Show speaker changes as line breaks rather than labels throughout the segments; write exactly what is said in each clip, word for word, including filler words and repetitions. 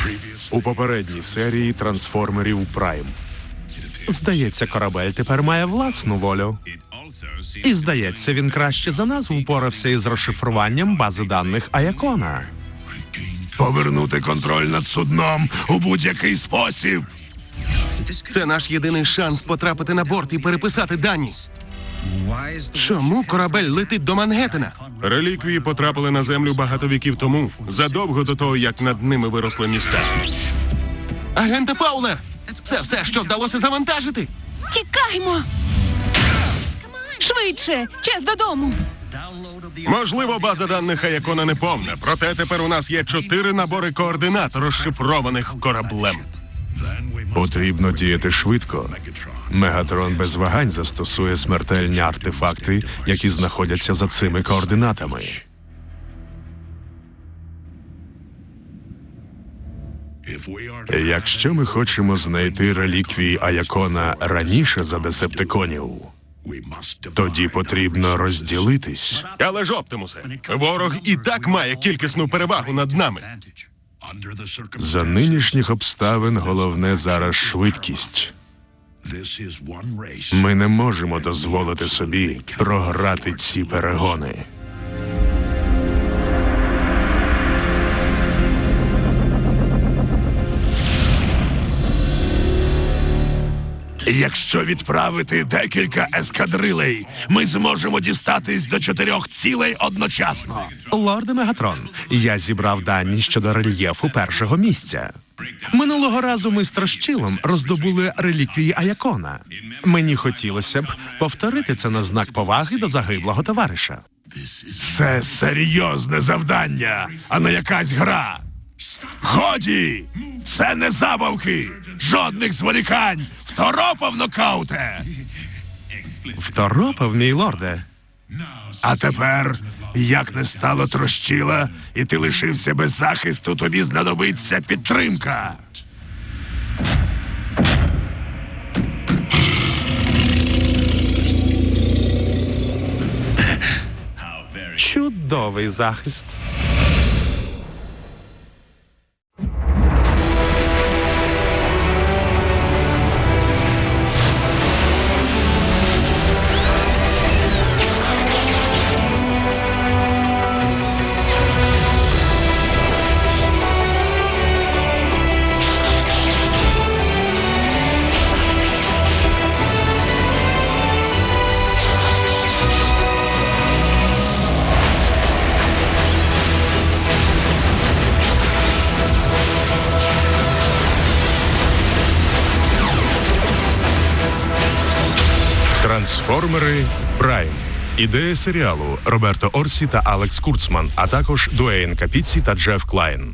У попередній серії трансформерів Прайм. Здається, корабель тепер має власну волю. І, здається, він краще за нас впорався із розшифруванням бази даних Аякона.
Повернути контроль над судном у будь-який спосіб.
Це наш єдиний шанс потрапити на борт і переписати дані. Чому корабель летить до Мангеттена?
Реліквії потрапили на землю багато віків тому, задовго до того, як над ними виросли міста.
Агенте Фаулер! Це все, що вдалося завантажити!
Тікаймо! Швидше! Час додому!
Можливо, база даних Аякона не повна, проте тепер у нас є чотири набори координат, розшифрованих кораблем.
Потрібно діяти швидко. Мегатрон без вагань застосує смертельні артефакти, які знаходяться за цими координатами. Якщо ми хочемо знайти реліквії Аякона раніше за десептиконів, тоді потрібно розділитись.
Але ж, Оптимусе, ворог і так має кількісну перевагу над нами.
За нинішніх обставин головне зараз швидкість. Ми не можемо дозволити собі програти ці перегони.
Якщо відправити декілька ескадрилей, ми зможемо дістатись до чотирьох цілей одночасно.
Лорде Мегатрон, я зібрав дані щодо рельєфу першого місця. Минулого разу ми з Трощилом роздобули реліквії Аякона. Мені хотілося б повторити це на знак поваги до загиблого товариша.
Це серйозне завдання, а не якась гра. Годі! Це не забавки! Жодних зволікань! Второпав, нокауте!
Второпав, мій лорде.
А тепер, як не стало Трощила, і ти лишився без захисту, тобі знадобиться підтримка.
Чудовий захист. Трансформери Прайм. Ідея серіалу Роберто Орсі та Алекс Курцман, а також Дуейн Капіці та Джеф Клайн.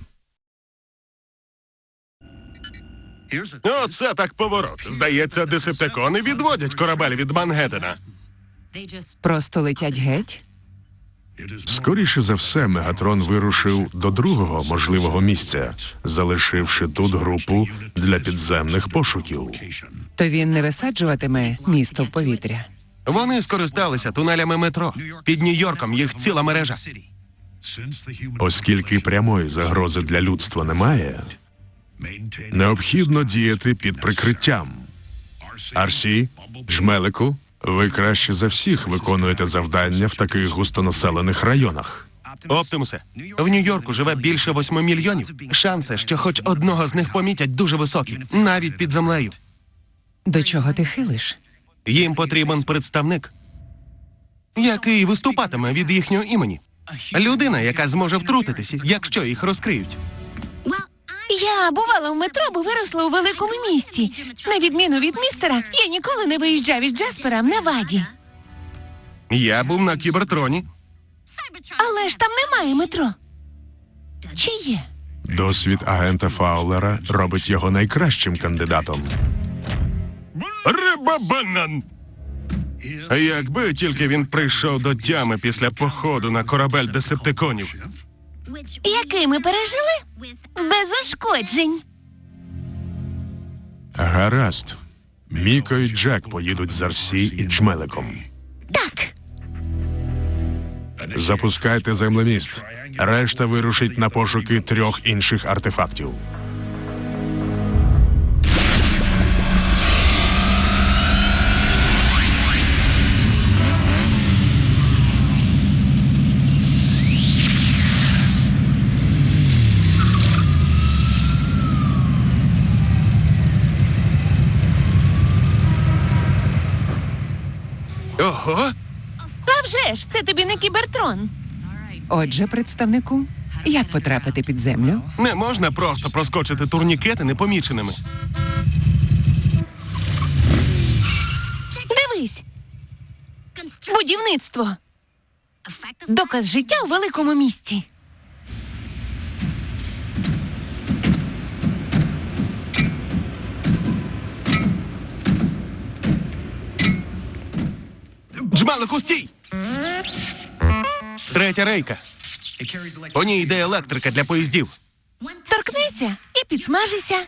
Оце так поворот. Здається, десептикони відводять корабель від Мангеттена.
Просто летять геть?
Скоріше за все, Мегатрон вирушив до другого можливого місця, залишивши тут групу для підземних пошуків.
То він не висаджуватиме місто в повітря?
Вони скористалися тунелями метро. Під Нью-Йорком їх ціла мережа.
Оскільки прямої загрози для людства немає, необхідно діяти під прикриттям. Арсі, Жмелику, ви краще за всіх виконуєте завдання в таких густонаселених районах.
Оптимусе, в Нью-Йорку живе більше восьми мільйонів. Шанси, що хоч одного з них помітять, дуже високі, навіть під землею.
До чого ти хилиш?
Їм потрібен представник, який виступатиме від їхнього імені. Людина, яка зможе втрутитися, якщо їх розкриють.
Я бувала в метро, бо виросла у великому місті. На відміну від містера, я ніколи не виїжджав із Джаспера в Неваді.
Я був на Кібертроні.
Але ж там немає метро. Чи є?
Досвід агента Фаулера робить його найкращим кандидатом.
Риба-банан! Якби тільки він прийшов до тями після походу на корабель десептиконів.
Який ми пережили? Без ушкоджень.
Гаразд. Міко і Джек поїдуть з Арсі і Джмеликом.
Так.
Запускайте землеміст. Решта вирушить на пошуки трьох інших артефактів.
Ого!
А вже ж, це тобі не кібертрон.
Отже, представнику, як потрапити під землю?
Не можна просто проскочити турнікети непоміченими.
Дивись, будівництво. Доказ життя у великому місті.
Джмелику, стій! Третя рейка. По ній йде електрика для поїздів.
Торкнися і підсмажися.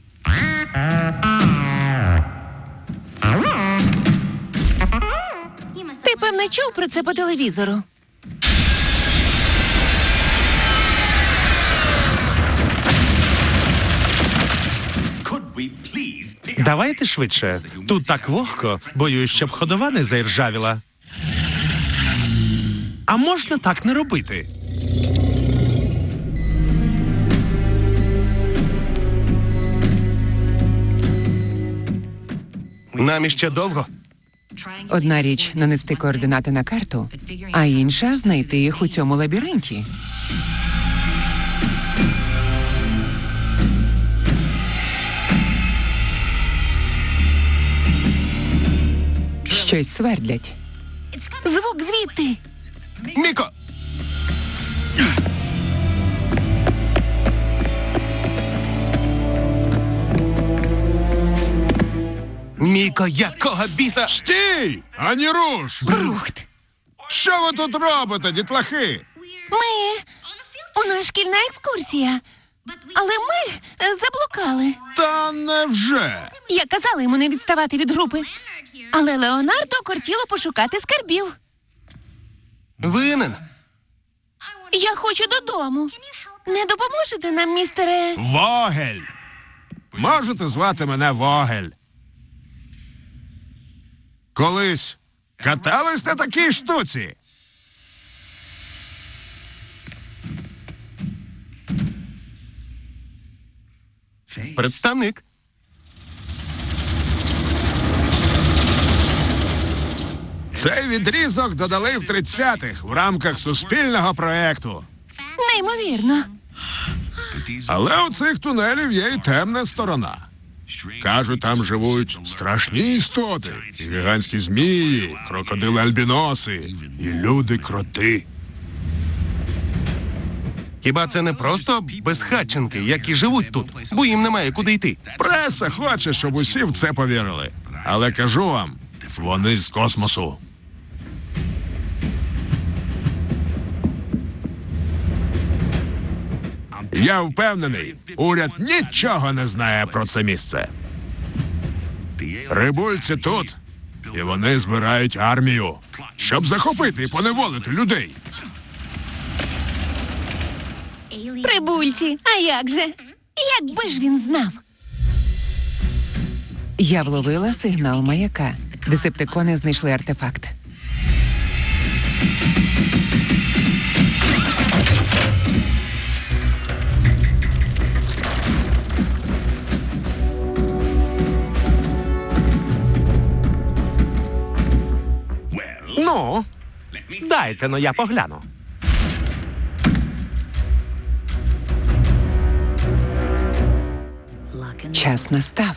Ти, певне, чув про це по телевізору.
Давайте швидше. Тут так вогко, боюсь, щоб ходова не заіржавіла. А можна так не робити?
Нам іще довго.
Одна річ нанести координати на карту, а інша знайти їх у цьому лабіринті. Щось свердлять.
Звук звідти.
Міко! Міко, якого біса?
Стій! Ані руш!
Брухт.
Що ви тут робите, дітлахи?
Ми... У нас шкільна екскурсія. Але ми е, заблукали.
Та невже?
Я казала йому не відставати від групи. Але Леонардо кортіло пошукати скарбів.
Винен.
Я хочу додому. Не допоможете нам, містере?
Вогель! Можете звати мене Вогель. Колись катались на такій штуці?
Представник.
Цей відрізок додали в тридцятих в рамках суспільного проекту.
Неймовірно.
Але у цих тунелів є і темна сторона. Кажуть, там живуть страшні істоти, і гігантські змії, крокодили-альбіноси, і люди-кроти.
Хіба це не просто безхатченки, які живуть тут, бо їм немає куди йти?
Преса хоче, щоб усі в це повірили. Але кажу вам, вони з космосу. Я впевнений, уряд нічого не знає про це місце. Прибульці тут, і вони збирають армію, щоб захопити і поневолити людей.
Прибульці, а як же? Якби ж він знав?
Я вловила сигнал маяка. Десептикони знайшли артефакт.
Ну, дайте, но я погляну.
Час настав.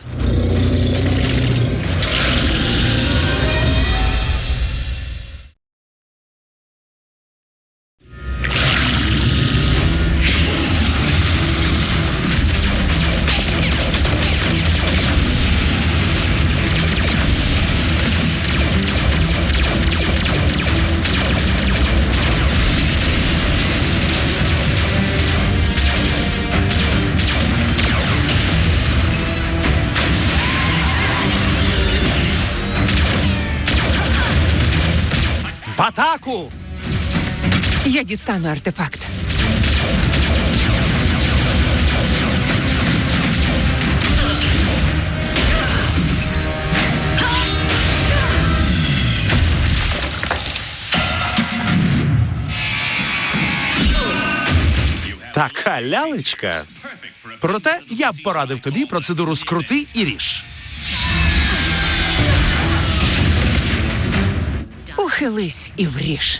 В атаку!
Я дістану артефакт.
Така лялечка. Проте я б порадив тобі процедуру скрути і ріж.
Похились і вріж.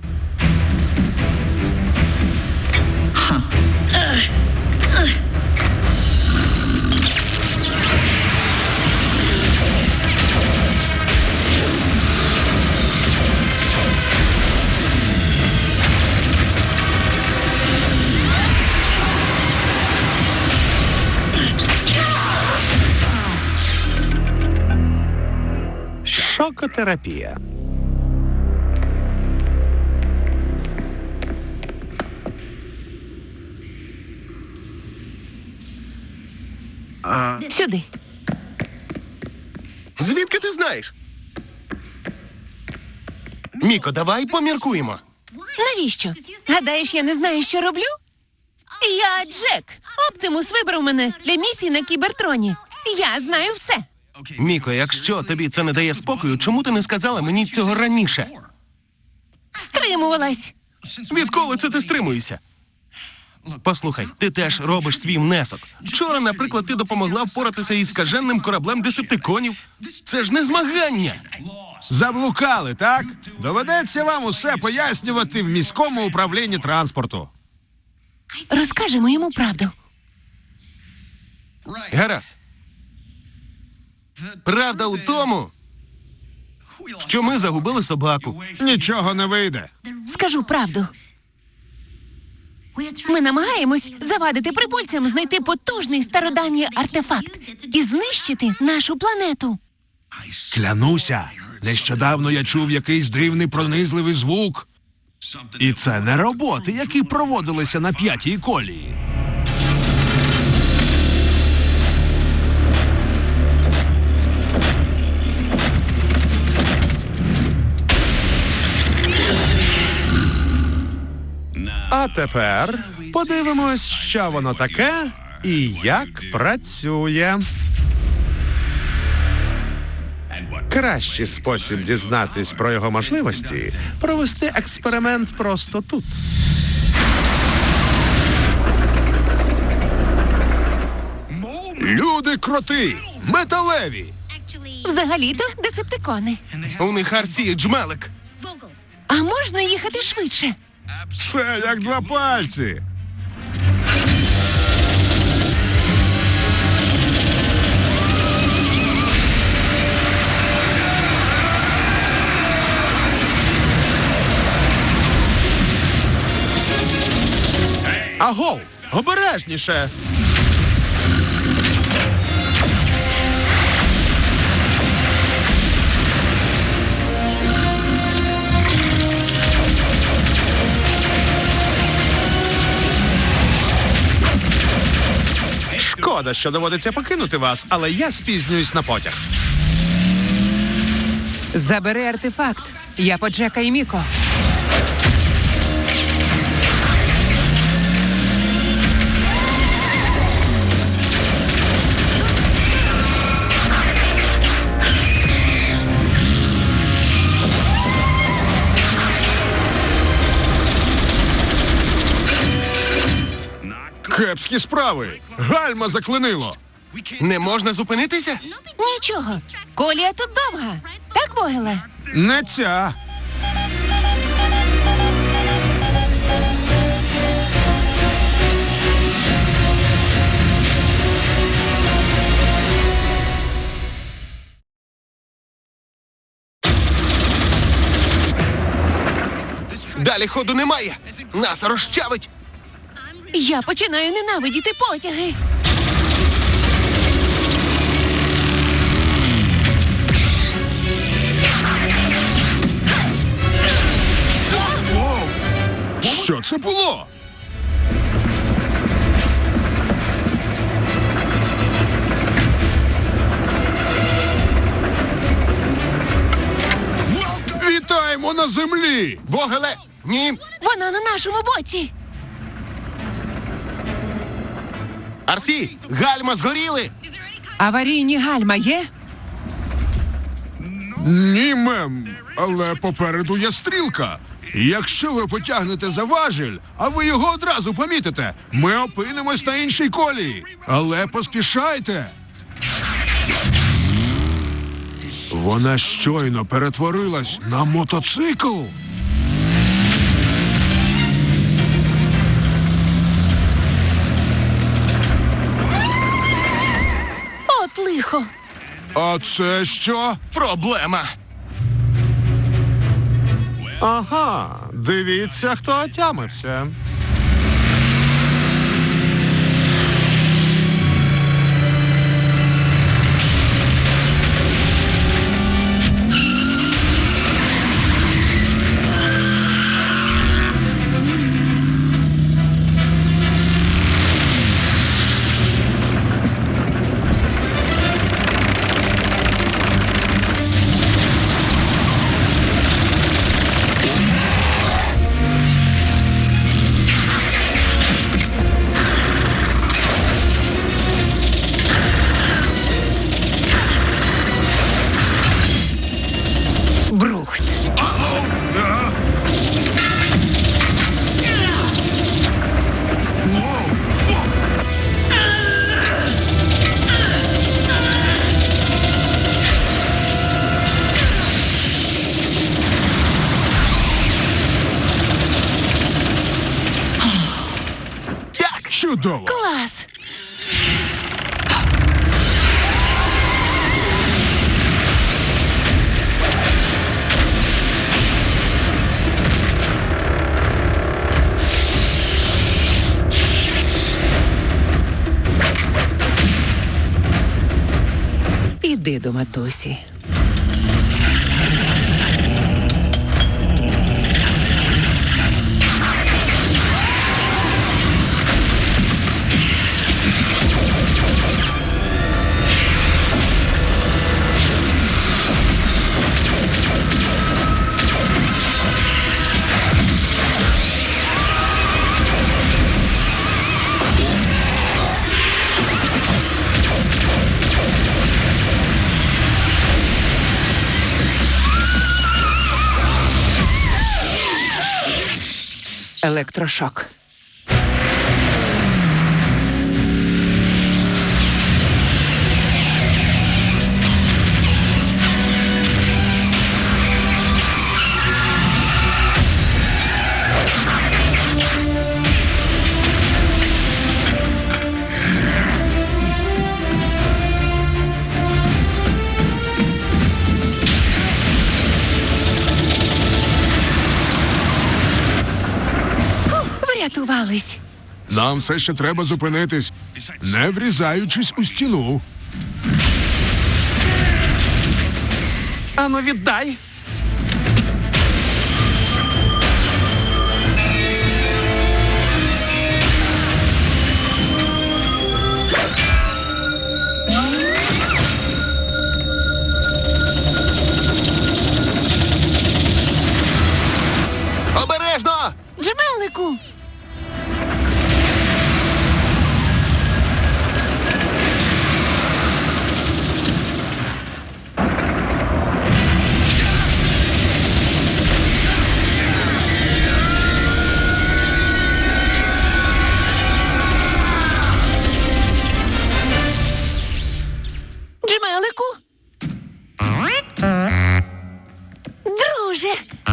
Шокотерапія.
Сюди.
Звідки ти знаєш? Міко, давай поміркуємо.
Навіщо? Гадаєш, я не знаю, що роблю? Я Джек. Оптимус вибрав мене для місії на Кібертроні. Я знаю все.
Міко, якщо тобі це не дає спокою, чому ти не сказала мені цього раніше?
Стримувалась.
Відколи це ти стримуєшся? Послухай, ти теж робиш свій внесок. Вчора, наприклад, ти допомогла впоратися із скаженним кораблем десептиконів. Це ж не змагання.
Заблукали, так? Доведеться вам усе пояснювати в міському управлінні транспорту.
Розкажемо йому правду.
Гаразд. Правда у тому, що ми загубили собаку.
Нічого не вийде.
Скажу правду. Ми намагаємось завадити прибульцям знайти потужний стародавній артефакт і знищити нашу планету.
Клянуся, нещодавно я чув якийсь дивний пронизливий звук. І це не роботи, які проводилися на п'ятій колії.
А тепер подивимось, що воно таке і як працює. Кращий спосіб дізнатись про його можливості – провести експеримент просто тут.
Люди-кроти! Металеві!
Взагалі-то десептикони.
У них Арсі джмелик.
А можна їхати швидше?
Це як два пальці.
Агов! Обережніше! Шкода, що доводиться покинути вас, але я спізнююсь на потяг.
Забери артефакт. Я по Джека і Міко.
Кепські справи. Гальма заклинило.
Не можна зупинитися?
Нічого. Колія тут довга. Так, Вогеле?
Не ця.
Далі ходу немає. Нас розчавить.
Я починаю ненавидіти потяги.
Що це було? Вітаємо на землі!
Вогеле! Ні!
Вона на нашому боці.
Арсі! Гальма згоріли!
Аварійні гальма є?
Ні, мем, але попереду є стрілка. Якщо ви потягнете за важіль, а ви його одразу помітите, ми опинимось на іншій колії. Але поспішайте.
Вона щойно перетворилась на мотоцикл.
От лихо.
А це що?
Проблема.
Ага, дивіться, хто отямився.
Брухт.
Чудово.
Клас.
Іди до матусі. Електрошок.
Врятувались.
Нам все ще треба зупинитись, не врізаючись у стіну.
Ану, віддай.
Обережно!
Джмелику. Джмелику. Друже.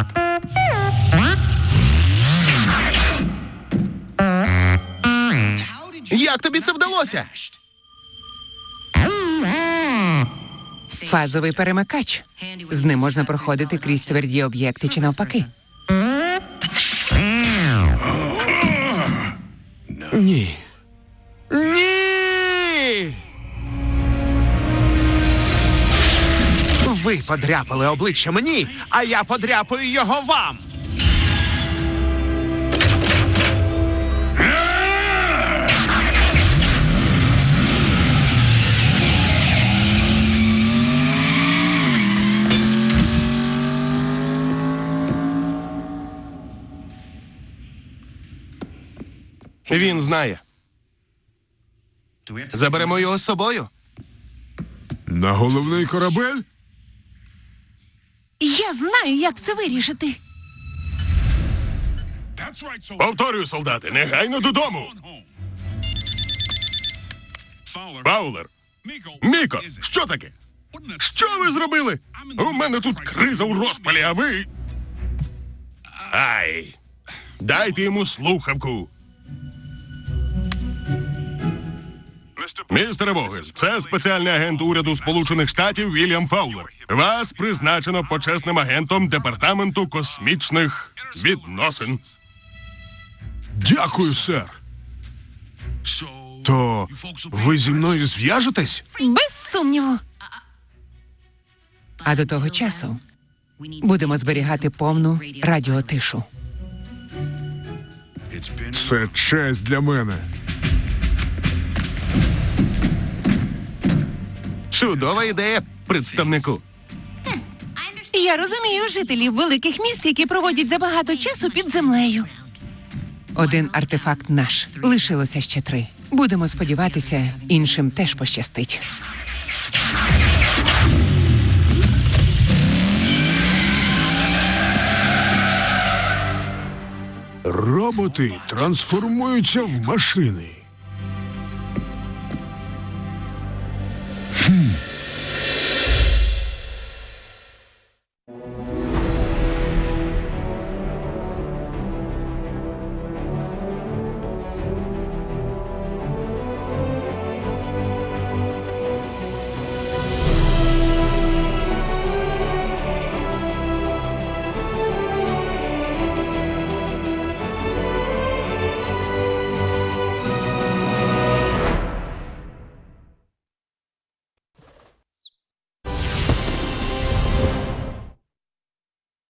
Як тобі це вдалося?
Фазовий перемикач. З ним можна проходити крізь тверді об'єкти чи навпаки.
Ні. Ні!
Ви подряпали обличчя мені, а я подряпаю його вам.
Він знає. Заберемо його з собою.
На головний корабель?
Я знаю, як це вирішити.
Повторюю, солдати, негайно додому. Фаулер. Міко, що таке? Що ви зробили? У мене тут криза у розпалі, а ви. Ай! Дайте йому слухавку. Містере Вогель, це спеціальний агент уряду Сполучених Штатів Вільям Фаулер. Вас призначено почесним агентом Департаменту космічних відносин.
Дякую, сер. То ви зі мною зв'яжетесь?
Без сумніву.
А до того часу будемо зберігати повну радіотишу.
Це честь для мене.
Чудова ідея, представнику.
Я розумію жителів великих міст, які проводять забагато часу під землею.
Один артефакт наш. Лишилося ще три. Будемо сподіватися, іншим теж пощастить.
Роботи трансформуються в машини. Хм.